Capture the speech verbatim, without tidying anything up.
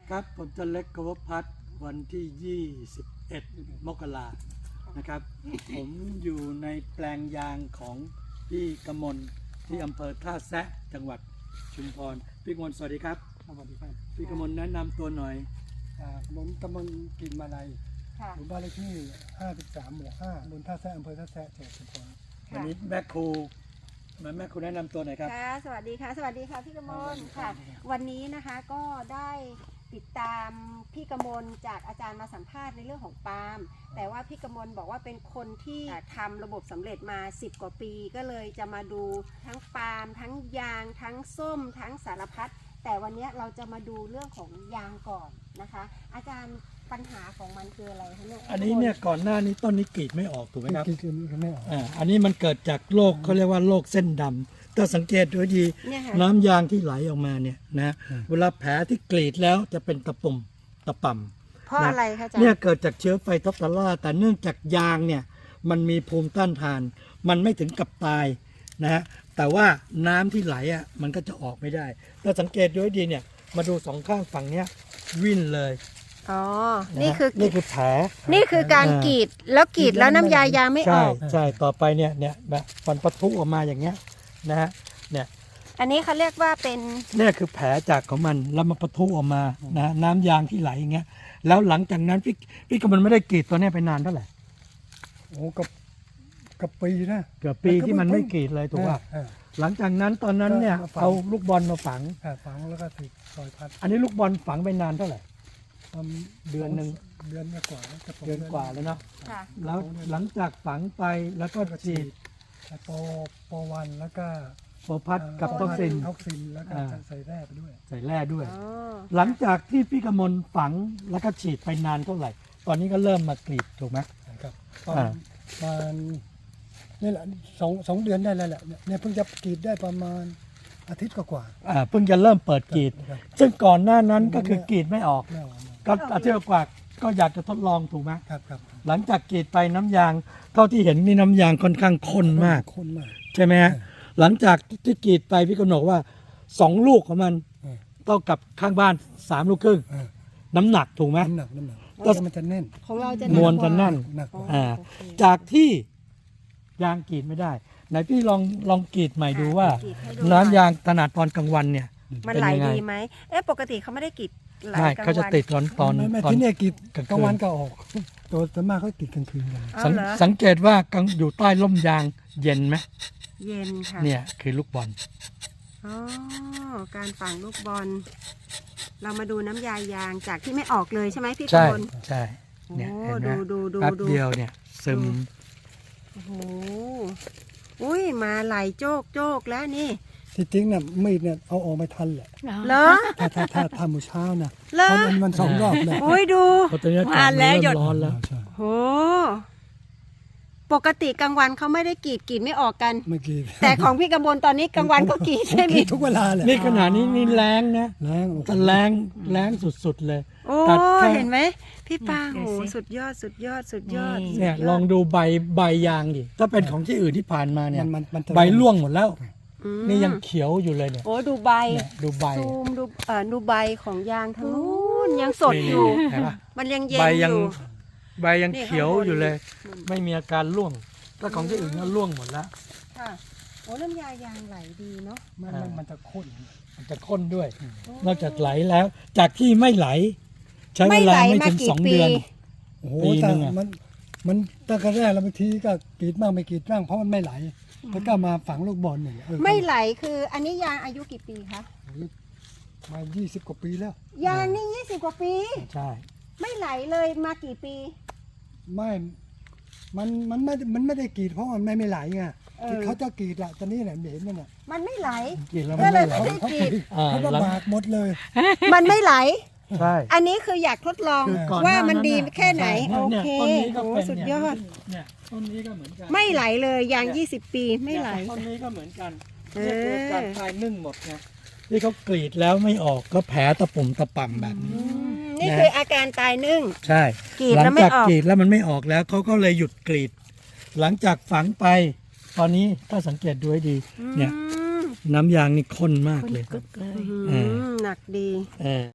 ครับผมจะเล็กกวพัฒน์วันที่ ยี่สิบเอ็ด มกรานะครับ ผมอยู่ในแปลงยางของพี่กมลที่อำเภอท่าแซะจังหวัดชุมพรพี่กมลสวัสดีครับสวัสดีครับพี่กมลแนะนำตัวหน่อยผมกมลกินมาลัยหมู่บ้านเลขที่ห้าสิบสามหมู่ห้าตำบลท่าแซะอำเภอท่าแซะจังหวัดชุมพรวันนี้แม่ครูมาแม่ครูแนะนำตัวหน่อยครับค่ะสวัสดีค่ะสวัสดีค่ะพี่กมลค่ะวันนี้นะคะก็ได้ติดตามพี่กมลจากอาจารย์มาสัมภาษณ์ในเรื่องของปาล์มแต่ว่าพี่กมลบอกว่าเป็นคนที่ทำระบบสำเร็จมาสิบกว่าปีก็เลยจะมาดูทั้งปาล์มทั้งยางทั้งส้มทั้งสารพัดแต่วันนี้เราจะมาดูเรื่องของยางก่อนนะคะอาจารย์ปัญหาของมันคืออะไรคะเนี่ยอันนี้เนี่ยก่อนหน้านี้ต้นนี้กรีดไม่ออกถูกไหมครับกรีดไม่ออกอ่าอันนี้มันเกิดจากโรคเขาเรียกว่าโรคเส้นดำถ้าสังเกตดูดีน้ำยางที่ไหลออกมาเนี่ยนะเวลาแผลที่กรีดแล้วจะเป็นตะปุ่มตะป่ำเพราะอะไรคะอาจารย์เนี่ยเกิดจากเชื้อไฟท็อปทาร่าแต่เนื่องจากยางเนี่ยมันมีภูมิต้านทานมันไม่ถึงกับตายนะฮะแต่ว่าน้ำที่ไหลอ่ะมันก็จะออกไม่ได้ถ้าสังเกตดูดีเนี่ยมาดูสองข้างฝั่งเนี้ยวิ่นเลยอ๋อนี่คือนี่คือแผลนี่คือการกรีดแล้วกรีดแล้วน้ำยายางไม่ออกใช่ใช่ต่อไปเนี่ยเนี่ยแบบมันปะทุออกมาอย่างเงี้ยนะฮะเนี่ยอันนี้เขาเรียกว่าเป็นเนี่ยคือแผลจากของมันแล้วมันปะทุออกมานะน้ำยางที่ไหลอย่างเงี้ยแล้วหลังจากนั้นพี่พี่ก็มันไม่ได้กรีดตัวนี้ไปนานเท่าไหร่โอ้กับกับปีนะเกือบปีที่มันไม่กรีดเลยถูกป่ะหลังจากนั้นตอนนั้นเนี่ยเอาลูกบอลมาฝังฝังแล้วก็ติดซอยพัดอันนี้ลูกบอลฝังไปนานเท่าไหร่เดือนหนึ่งเดือนกว่าเดือนกว่าแล้วเนาะแล้วหลังจากฝังไปแล้วก็ฉีดโปโปวันแล้วก็โปพัดกับท็อกซินท็อกซินแล้วก็ใส่แร่ไปด้วยใส่แร่ด้วยหลังจากที่พี่กมลฝังแล้วก็ฉีดไปนานเท่าไหร่ตอนนี้ก็เริ่มมากรีดถูกไหมครับประมาณนี่แหละสองสองเดือนได้แล้วแหละเนี่ยเพิ่งจะกรีดได้ประมาณอาทิตย์กว่าอ่าเพิ่งจะเริ่มเปิดกรีดซึ่งก่อนหน้านั้นก็คือกรีดไม่ออกก็อาทิตย์กว่าก็อยากจะทดลองถูกไหมครับครับหลังจากกรีดไปน้ำยางเท่าที่เห็นนี่น้ำยางค่อนข้างข้นมากข้นมากใช่ไหมฮะหลังจากที่กรีดไปพี่กนกว่าสองลูกของมันเท่ากับข้างบ้านสามลูกครึ่งน้ำหนักถูกไหมน้ำหนักน้ำหนักก็มันจะแน่นของเราจะมวลจะแน่นอ่าจากที่ยางกรีดไม่ได้ไหนพี่ลองลองกรีดใหม่ดูว่าน้ำยางถนัดตอนกลางวันเนี่ยมันไหลดีไหมเอ๊ะปกติเขาไม่ได้กรีดไหลกลางวันเขาจะติดตอนตอนไม่ที่นี่กรีดกลางวันก็ออกตัวส่วนมากเขาติดกลางคืนกันสังเกตว่าอยู่ใต้ร่มยางเย็นไหมเย็นค่ะเนี่ยคือลูกบอลอ๋อการฝังลูกบอลเรามาดูน้ำยายางจากที่ไม่ออกเลยใช่ไหมพี่ใช่คนใช่เนี่ยดูดูดูแป๊บเดียวเนี่ยซึมโอ้โหอุ้ยมาไหลโจกโจกแล้วนี่ที่จริงเนี่ยมีดเนี่ยเอาออกไม่ทันแหละเหรอถ้าถ้าถ้าทำมื้อเช้านะมันมันสองรอบเลยโอ้ยดูมาแล้วหยดร้อนแล้วโหปกติกลางวันเขาไม่ได้กรีดกรีดไม่ออกกันไม่กรีดแต่ของพี่กำบลตอนนี้กลางวันก็กรีดใช่ไหมทุกเวลาเลยนี่ขนาดนี้นี่แรงนะแรงแรงแรงสุดๆเลยโอ้เห็นไหมพี่ป้าโหสุดยอดสุดยอดสุดยอดเนี่ยลองดูใบใบยางดิถ้าเป็นของที่อื่นที่ผ่านมาเนี่ยใบร่วงหมดแล้วนี่ยังเขียวอยู่เลยเนี่ยโอ้ดูใบดูใบซูมดูเอ่อดูใบของยางทั้งนู้นยังสดอยู่มันยังเย็นอยู่ใบยังเขียวอยู่เลยไม่มีอาการร่วงถ้าของที่อื่นก็ร่วงหมดแล้วค่ะโอ้น้ำยายางไหลดีเนาะมันมันจะข้นมันจะข้นด้วยนอกจากไหลแล้วจากที่ไม่ไหลใช้เวลาไม่ถึงสองเดือนโอ้โหแต่มันมันตั้งแต่แรกแล้วบางทีก็กรีดบ้างไม่กรีดบ้างเพราะมันไม่ไหลแล้วก็มาฝังลูกบอลหนึ่งไม่ไหลคืออันนี้ยางอายุกี่ปีคะมายี่สิบกว่าปีแล้วยางนี่ยี่สิบกว่าปีใช่ไม่ไหลเลยมากี่ปีไม่มันมันไม่มันไม่ได้กรีดเพราะมันไม่ไม่ไหลไงเขาจะกรีดละตอนนี้แหละเห็นมันอ่ะมันไม่ไหลกรีดแล้วมันไม่ไหลเขากรีดเขาลำบากหมดเลยมันไม่ไหลใช่อันนี้คืออยากทดลองว่ามันดีแค่ไหนโอเคโอ้สุดยอดเนี่ยต้นนี้ก็เหมือนกันไม่ไหลเลยยางยี่สิบปีไม่ไหลต้นนี้ก็เหมือนกันเนี่ยเกิดการคลายนึ่งหมดไงที่เขากรีดแล้วไม่ออกก็แผลตะปุ่มตะป่ำแบบนี้นี่คืออาการตายนึ่งใช่หลังจากกรีดแล้วมันไม่ออกแล้วเขาก็เลยหยุดกรีดหลังจากฝังไปตอนนี้ถ้าสังเกตดูให้ดีเนี่ยน้ำยางนี่ข้นมากเลยหนักดี